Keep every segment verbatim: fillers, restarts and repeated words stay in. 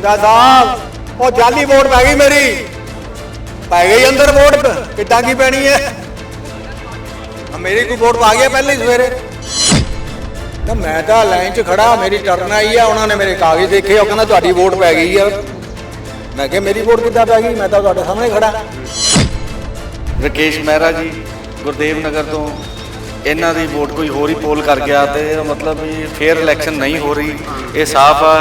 पिंदा साहब वो जाली वोट पै गई मेरी पै गई अंदर वोट कितना की पैनी है मेरी कोई वोट पा गया पहले ही सवेरे तो मैं तो लाइन च खड़ा मेरी टर्न आई है उन्होंने मेरे कागज देखे और कहना तुहाडी वोट पै गई है मैं क्या मेरी वोट कितना पै गई मैं तो तुहाडे सामने खड़ा। राकेश मेहरा जी गुरदेव नगर तो इन्हों की वोट कोई होर ही पोल कर गया तो मतलब भी फेयर इलैक्शन नहीं हो रही ये साफ आ।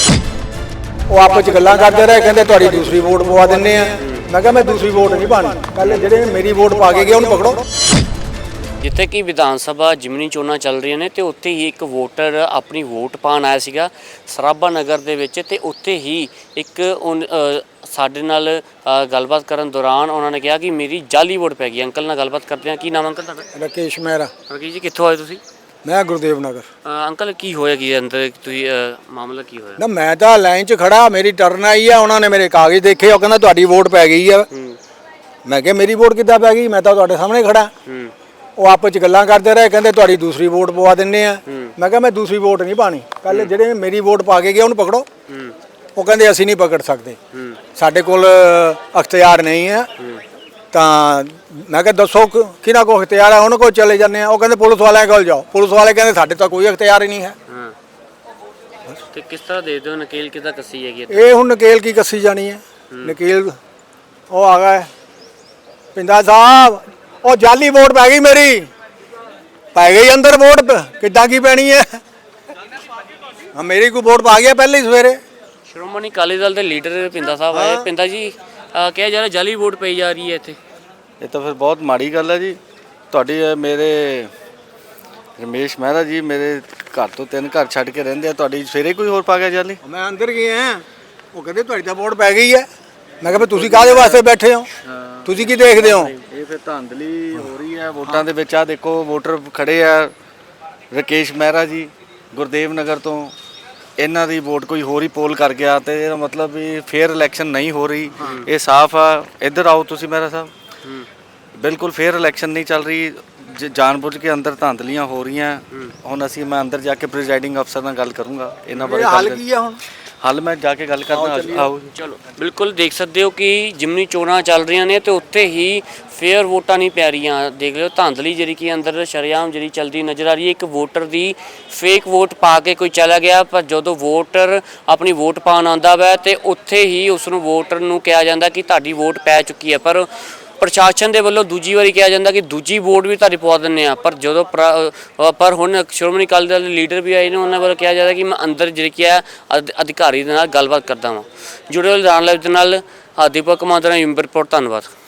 वो आपस च गल्लां करते रहे कहते तुहाडी दूसरी वोट पवा दिंदे आ मैं क्या मैं दूसरी वोट नहीं पानी पहले ਜਿਹੜੇ मेरी वोट पा के गए उन्हें पकड़ो। ਜਿੱਥੇ ਕਿ ਵਿਧਾਨ ਸਭਾ ਜਿਮਨੀ ਚੋਣਾਂ ਚੱਲ ਰਹੀਆਂ ਨੇ ਤੇ ਉੱਥੇ ਹੀ ਇੱਕ ਵੋਟਰ ਆਪਣੀ ਵੋਟ ਪਾਉਣ ਆਇਆ ਸੀਗਾ ਸਰਾਭਾ ਨਗਰ ਦੇ ਵਿੱਚ ਤੇ ਉੱਥੇ ਹੀ ਇੱਕ ਸਾਡੇ ਨਾਲ ਗੱਲਬਾਤ ਕਰਨ ਦੌਰਾਨ ਉਹਨਾਂ ਨੇ ਕਿਹਾ ਕਿ ਮੇਰੀ ਜਾਲੀ ਵੋਟ ਪੈ ਗਈ। ਅੰਕਲ ਨਾਲ ਗੱਲਬਾਤ ਕਰਦੇ ਹਾਂ। ਕੀ ਨਾਮ ਅੰਕਲ ਤੁਹਾਡਾ? राकेश मेहरा। ਰਾਕੇਸ਼ ਜੀ ਕਿੱਥੋਂ ਆਏ ਤੁਸੀਂ? मैं गुरदेव नगर। ਅੰਕਲ ਕੀ ਹੋਇਆ ਕੀ ਅੰਦਰ ਤੁਸੀਂ ਮਾਮਲਾ ਕੀ ਹੋਇਆ? ना मैं तो लाइन च खड़ा मेरी टर्न आई है उन्होंने मेरे कागज देखे और कहना तुहाडी वोट पै गई है मैं क्या मेरी वोट कितना पै गई मैं तो तुहाडे सामने खड़ा। वो आपस च गल्लां करते रहे कहते तुहाडी दूसरी वोट पवा दिंदे आ मैं क्या मैं दूसरी वोट नहीं पानी पहले ਜਿਹੜੇ मेरी वोट पा के गए उन्हें पकड़ो। वो कहते ਅਸੀਂ नहीं पकड़ सकते ਸਾਡੇ ਕੋਲ ਅਖਤਿਆਰ नहीं है ਤਾਂ मैं क्या दसो किहਨਾਂ ਕੋਲ ਅਖਤਿਆਰ है ਉਹਨਾਂ ਕੋਲ चले जाते हैं। वो कहते पुलिस वाले कोल जाओ पुलिस वाले कहते ਸਾਡੇ ਤਾਂ ਕੋਈ ਅਖਤਿਆਰ ही नहीं है। ਤੇ ਕਿਸ ਤਰ੍ਹਾਂ ਦੇ ਦਿਓ ਨਕੇਲ ਕਿਦਾਂ ਕੱਸੀ ਹੈਗੀ ਇਹ ਹੁਣ ਨਕੇਲ ਕੀ ਕੱਸੀ ਜਾਣੀ ਹੈ ਨਕੇਲ ਉਹ ਆ ਗਿਆ ਪਿੰਦਾ ਸਾਹਿਬ ਉਹ ਜਾਲੀ ਵੋਟ ਪੈ ਗਈ ਮੇਰੀ ਪੈ ਗਈ ਅੰਦਰ ਵੋਟ ਕਿੱਦਾਂ ਕੀ ਪੈਣੀ ਹੈ ਹਾਂ ਮੇਰੀ ਕੋਈ ਵੋਟ ਪਾ ਗਿਆ ਪਹਿਲੇ ਹੀ ਸਵੇਰੇ। ਸ਼੍ਰੋਮਣੀ ਅਕਾਲੀ ਦਲ ਦੇ ਲੀਡਰ ਪਿੰਦਾ ਸਾਹਿਬ ਆਏ। ਪਿੰਦਾ ਜੀ ਕਿਹਾ ਜਾ ਰਿਹਾ ਜਾਲੀ ਵੋਟ ਪਈ ਜਾ ਰਹੀ ਹੈ ਇੱਥੇ। ਇਹ ਤਾਂ ਫਿਰ ਬਹੁਤ ਮਾੜੀ ਗੱਲ ਹੈ ਜੀ ਤੁਹਾਡੀ। ਮੇਰੇ ਰਮੇਸ਼ ਮਹਿਰਾ ਜੀ ਮੇਰੇ ਘਰ ਤੋਂ ਤਿੰਨ ਘਰ ਛੱਡ ਕੇ ਰਹਿੰਦੇ ਆ ਤੁਹਾਡੀ ਸਵੇਰੇ ਕੋਈ ਹੋਰ ਪਾ ਗਿਆ ਜਾਲੀ? ਮੈਂ ਅੰਦਰ ਗਿਆ ਉਹ ਕਹਿੰਦੇ ਤੁਹਾਡੀ ਤਾਂ ਵੋਟ ਪੈ ਗਈ ਹੈ ਮੈਂ ਕਿਹਾ ਤੁਸੀਂ ਕਾਹਦੇ ਵਾਸਤੇ ਬੈਠੇ ਹੋ ਤੁਸੀਂ ਕੀ ਦੇਖਦੇ ਹੋ? ਇਹ ਫਿਰ ਧਾਂਦਲੀ ਹੋ ਰਹੀ ਹੈ ਵੋਟਾਂ ਦੇ ਵਿੱਚ। ਆ ਦੇਖੋ ਵੋਟਰ ਖੜੇ ਆ ਰਾਕੇਸ਼ ਮਹਿਰਾ ਜੀ ਗੁਰਦੇਵ ਨਗਰ ਤੋਂ ਇਹਨਾਂ ਦੀ ਵੋਟ ਕੋਈ ਹੋਰ ਹੀ ਪੋਲ ਕਰ ਗਿਆ ਤੇ ਇਹਦਾ ਮਤਲਬ ਵੀ ਫੇਅਰ ਇਲੈਕਸ਼ਨ ਨਹੀਂ ਹੋ ਰਹੀ ਇਹ ਸਾਫ਼ ਆ। ਇੱਧਰ ਆਓ ਤੁਸੀਂ ਮਹਿਰਾ ਸਾਹਿਬ ਬਿਲਕੁਲ ਫੇਅਰ ਇਲੈਕਸ਼ਨ ਨਹੀਂ ਚੱਲ ਰਹੀ ਜਾਣਬੁੱਝ ਕੇ ਅੰਦਰ ਧਾਂਦਲੀਆਂ ਹੋ ਰਹੀਆਂ। ਹੁਣ ਅਸੀਂ ਮੈਂ ਅੰਦਰ ਜਾ ਕੇ ਪ੍ਰੀਜ਼ਾਈਡਿੰਗ ਅਫਸਰ ਨਾਲ ਗੱਲ ਕਰੂੰਗਾ ਇਹਨਾਂ ਬਾਰੇ। ਹੱਲ ਕੀ ਆ ਹੁਣ? ਹੱਲ ਮੈਂ ਜਾ ਕੇ ਗੱਲ ਕਰਦਾ। ਆਓ ਚਲੋ ਬਿਲਕੁਲ ਦੇਖ ਸਕਦੇ ਹੋ ਕਿ ਜਿਮਨੀ ਚੋਣਾਂ ਚੱਲ ਰਹੀਆਂ ਨੇ ਤੇ ਉੱਥੇ ਹੀ ਫੇਅਰ ਵੋਟਾਂ ਨਹੀਂ ਪੈ ਰਹੀਆਂ। ਦੇਖ ਲਿਓ ਧਾਂਦਲੀ ਜਿਹੜੀ ਕਿ ਅੰਦਰ ਸ਼ਰੇਆਮ ਜਿਹੜੀ ਚੱਲਦੀ ਨਜ਼ਰ ਆ ਰਹੀ ਹੈ। ਇੱਕ ਵੋਟਰ ਦੀ ਫੇਕ ਵੋਟ ਪਾ ਕੇ ਕੋਈ ਚਲਾ ਗਿਆ ਪਰ ਜਦੋਂ ਵੋਟਰ ਆਪਣੀ ਵੋਟ ਪਾਉਣ ਆਉਂਦਾ ਵਾ ਤੇ ਉੱਥੇ ਹੀ ਉਸ ਨੂੰ ਵੋਟਰ ਨੂੰ ਕਿਹਾ ਜਾਂਦਾ ਕਿ ਤੁਹਾਡੀ ਵੋਟ ਪੈ ਚੁੱਕੀ ਹੈ ਪਰ ਪ੍ਰਸ਼ਾਸਨ ਦੇ ਵੱਲੋਂ ਦੂਜੀ ਵਾਰੀ ਕਿਹਾ ਜਾਂਦਾ ਕਿ ਦੂਜੀ ਵੋਟ ਵੀ ਤੁਹਾਡੀ ਪਵਾ ਦਿੰਦੇ ਆ। ਪਰ ਜਦੋਂ ਪਰ ਹੁਣ ਸ਼੍ਰੋਮਣੀ ਅਕਾਲੀ ਦਲ ਦੇ ਲੀਡਰ ਵੀ ਆਏ ਨੇ ਉਹਨਾਂ ਵੱਲੋਂ ਕਿਹਾ ਜਾਂਦਾ ਕਿ ਮੈਂ ਅੰਦਰ ਜਿਹੜੀ ਕਿ ਹੈ ਅਧਿਕਾਰੀ ਦੇ ਨਾਲ ਗੱਲਬਾਤ ਕਰਦਾ ਵਾਂ। ਜੁੜੇ ਹੋਏ ਜਾਣ ਲਈ ਦੇ ਨਾਲ ਦੀਪਕ ਕੁਮਾਰ ਦਾ ਰਿਪੋਰਟ। ਧੰਨਵਾਦ।